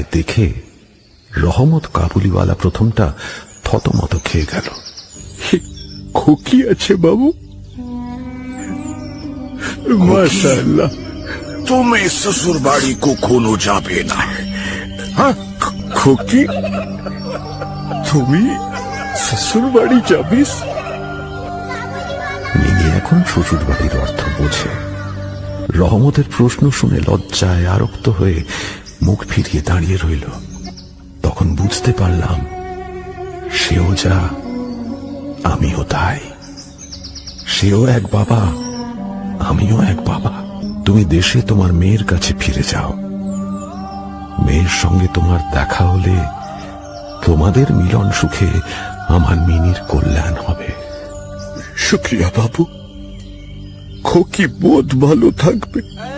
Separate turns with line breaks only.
দেখে রহমত কাবুলিওয়ালা প্রথমটা থতমত খেয়ে গেল।
খুকি আছে বাবু? মাশাআল্লাহ।
তুমি শ্বশুর বাড়ি কখনো যাবে না?
হ্যাঁ খুকি, তুমি শ্বশুর বাড়ি যাবিস?
মিনি এখন শ্বশুর বাড়ির অর্থ বোঝে। রহমতের প্রশ্ন শুনে লজ্জায় আরক্ত হয়ে মুখ ফিরিয়ে দাঁড়িয়ে রইল। তখন বুঝতে পারলাম, সেও যা, আমিও তাই। সেও এক বাবা, আমিও এক বাবা। তুমি দেশে তোমার মেয়ের কাছে ফিরে যাও। মেয়ের সঙ্গে তোমার দেখা হলে তোমাদের মিলন সুখে আমার মিনির কল্যাণ হবে।
শুক্রিয়া বাবু, খুকি বহুত ভালো থাকবে।